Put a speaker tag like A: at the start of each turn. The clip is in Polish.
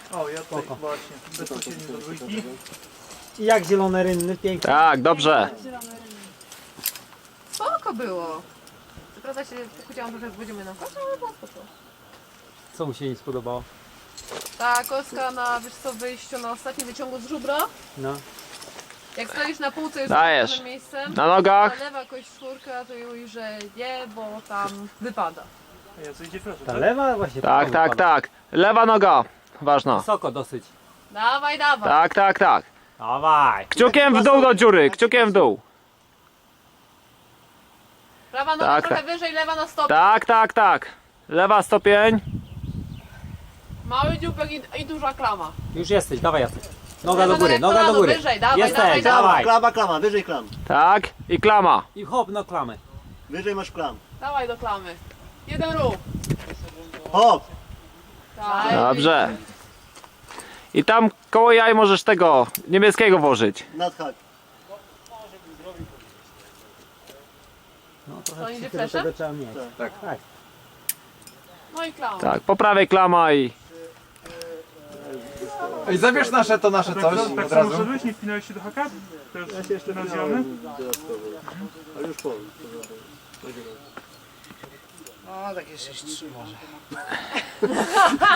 A: O, ja tutaj właśnie, bezpośrednio do dwójki.
B: I jak zielone rynny, pięknie.
C: Tak, dobrze.
D: Spoko było. Co prawda się chciałam trochę z będziemy na kosze, ale było spoko.
B: Co mu się nie spodobało?
D: Ta kostka na, wiesz co, wyjściu na ostatnim wyciągu z żubra.
B: No.
D: Jak stoisz na półce już
C: Dajesz.
D: tym miejscem,
C: Na nogach.
D: zalewa jakoś czwórka, to już, że nie, bo tam wypada.
A: A ja co idzie proszę,
B: Ta
A: tak?
B: lewa właśnie.
C: Tak, tak, tak. Lewa noga. Ważna.
B: Wysoko dosyć.
D: Dawaj, dawaj.
C: Tak, tak, tak.
B: Dawaj.
C: Kciukiem w dół do dziury, kciukiem w dół.
D: Prawa noga
C: Tak,
D: trochę
C: tak.
D: wyżej, lewa na stop.
C: Tak, tak, tak. Lewa stopień.
D: Mały dzióbek i duża klama.
B: Już jesteś, dawaj Jacek. Noga
D: Lewa
B: do góry,
D: noga
B: noga do
D: kolano
B: góry.
D: wyżej, dawaj,
B: Jesteś,
D: dawaj,
B: dawaj.
E: Klama, klama, wyżej klam.
C: Tak. I klama.
B: I hop na klamę.
E: Wyżej masz klam.
D: Dawaj do klamy. Jeden ruch.
E: Hop!
D: Tak.
C: Dobrze. I tam koło jaj możesz tego niebieskiego włożyć.
E: Nadhak.
B: No
D: To
B: trochę
D: idzie
B: psychy do
D: fleszem?
B: tego trzeba mieć.
E: Tak.
B: Tak.
D: No i klama.
C: Tak, po prawej klama i...
F: Ej, zabierz nasze to nasze
A: Tak,
F: coś
A: tak
F: od
A: samo
F: razu.
A: szedłeś, nie wpinałeś się do haka? To już
E: Ja się jeszcze
A: rozwijamy?
E: dodatkowo. Ale już powiem.
G: No takie 6-3 może.